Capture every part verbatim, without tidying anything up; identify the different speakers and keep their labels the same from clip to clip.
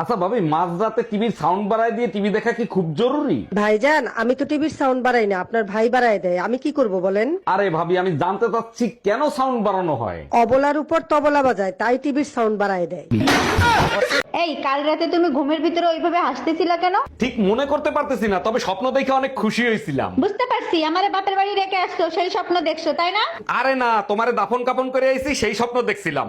Speaker 1: আচ্ছা ভাবি, মাঝরাতে টিভির সাউন্ড বাড়ায় দিয়ে টিভি দেখা কি খুব জরুরি?
Speaker 2: ভাইজান, আমি তো টিভির সাউন্ড বাড়াই না, আপনার ভাই বাড়ায় দেয়। আমি কি করব বলেন?
Speaker 1: আরে ভাবি, আমি জানতে চাচ্ছি কেন সাউন্ড বাড়ানো হয়।
Speaker 2: অবলার উপর তবলা বাজায়, তাই টিভির সাউন্ড বাড়ায় দেয়।
Speaker 3: এই কাল রাতে তুমি ঘুমের ভিতরে ওইভাবে হাসতেছিলা কেন?
Speaker 1: ঠিক মনে করতে পারতেছি না, তবে স্বপ্ন দেখে অনেক খুশি হয়েছিলাম।
Speaker 3: বুঝতে পারছি, আমারে বাপের বাড়ি রেখে আসছো, সেই স্বপ্ন দেখছো তাই না?
Speaker 1: আরে না, তোমারে দাফন কাপন করে আইছি সেই স্বপ্ন দেখছিলাম।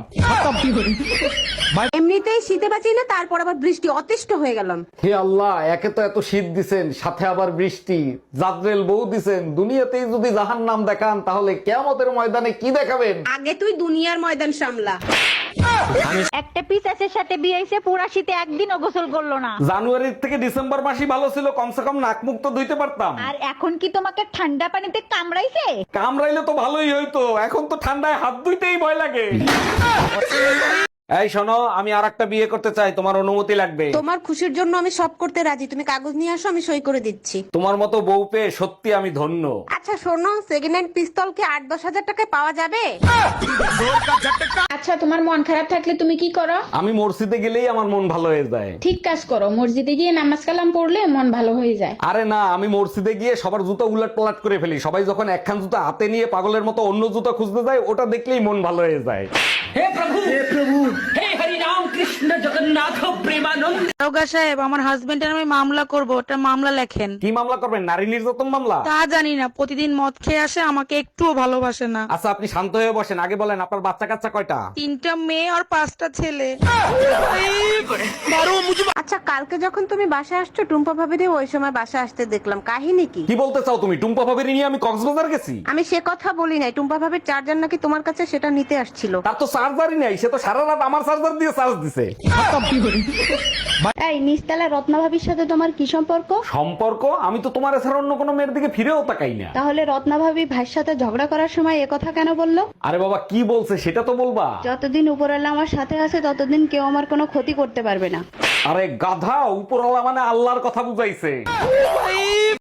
Speaker 4: এমনিতেই শীতে বাঁচি না, তারপর আবার বৃষ্টি, অতিষ্ঠ হয়ে গেলাম।
Speaker 1: হে আল্লাহ, একে তো এত শীত দিছেন, সাথে আবার বৃষ্টি, জাদ্রেল বউ দিছেন। দুনিয়াতেই যদি জাহান নাম দেখান, তাহলে কিয়ামতের ময়দানে কি দেখাবেন?
Speaker 4: আগে তুই দুনিয়ার ময়দান সামলা।
Speaker 3: একটা পিসাসের সাথে বিয়ে হইছে, পুরা শীতে একদিনও গোসল করলো না।
Speaker 1: জানুয়ারি থেকে ডিসেম্বর মাসই ভালো ছিল, কমসে কম নাক মুখ তো ধুইতে পারতাম।
Speaker 3: আর এখন কি তোমাকে ঠান্ডা পানিতে কামড়াইছে?
Speaker 1: কামড়াইলে তো ভালোই হইতো, এখন তো ঠান্ডায় হাত ধুইতেই ভয় লাগে। এই শোনো, আমি আর একটা বিয়ে করতে চাই, তোমার অনুমতি লাগবে।
Speaker 4: তোমার খুশির জন্য আমি সব করতে রাজি, তুমি কাগজ নিয়ে আসো, আমি সই করে দিচ্ছি।
Speaker 1: তোমার মতো বউ পেয়ে সত্যি আমি ধন্য।
Speaker 4: আচ্ছা শোনো, সেকেন্ড হ্যান্ড পিস্তল কি আট দশ হাজার টাকায় পাওয়া যাবে?
Speaker 5: আচ্ছা, তোমার মন খারাপ থাকলে তুমি কি করো?
Speaker 1: আমি মসজিদে গেলেই আমার মন ভালো হয়ে যায়।
Speaker 5: ঠিক কাজ করো, মসজিদে গিয়ে নামাজ কালাম পড়লে মন ভালো হয়ে যায়।
Speaker 1: আরে না, আমি মসজিদে গিয়ে সবার জুতো উলট পালট করে ফেলি। সবাই যখন একখান জুতো হাতে নিয়ে পাগলের মতো অন্য জুতো খুঁজতে যায়, ওটা দেখলেই মন ভালো হয়ে যায়।
Speaker 6: দারোগা সাহেব, আমার হাজবেন্ডের আমি মামলা করব, ওটা মামলা লেখেন।
Speaker 1: কি মামলা করবেন? নারী নির্যাতন মামলা?
Speaker 6: তা জানি না, প্রতিদিন মদ খেয়ে আসে, আমাকে একটুও ভালোবাসে না।
Speaker 1: আচ্ছা আপনি শান্ত হয়ে বসেন, আগে বলেন আপনার বাচ্চা কাচ্চা কয়টা?
Speaker 6: তিনটা মেয়ে আর পাঁচটা ছেলে।
Speaker 4: আচ্ছা কালকে যখন তুমি বাসায় আসছো, টুম্পা ভাবিরে ওই সময় বাসায় আসতে দেখলাম, কাহিনী কি?
Speaker 1: কি বলতে চাও তুমি? টুম্পা ভাবির নিয়ে আমি কক্সবাজার গেছি?
Speaker 4: আমি সে কথা বলি নাই, টুম্পা ভাবির চার্জার নাকি তোমার কাছে, সেটা নিতে আসছিল।
Speaker 1: তার তো চার্জারই নাই, সে তো সারা রাত আমার চার্জার দিয়ে চার্জ দিছে।
Speaker 3: এই নিস্তালা রত্না ভাবির সাথে তোমার কি সম্পর্ক?
Speaker 1: সম্পর্ক? আমি তো তোমার ছাড়া অন্য কোনো মেয়ের দিকে ফিরেও তাকাই না।
Speaker 3: তাহলে রত্না ভাবি ভাইয়ের সাথে ঝগড়া করার সময় এ কথা কেন বললো?
Speaker 1: আরে বাবা, কি বলছে সেটা তো বলবা।
Speaker 3: যতদিন উপরওয়ালা আমার সাথে আছে, ততদিন কেউ আমার কোনো ক্ষতি করতে পারবে না।
Speaker 1: আরে গাধা, উপরওয়ালা মানে আল্লাহর কথা বুঝাইছে।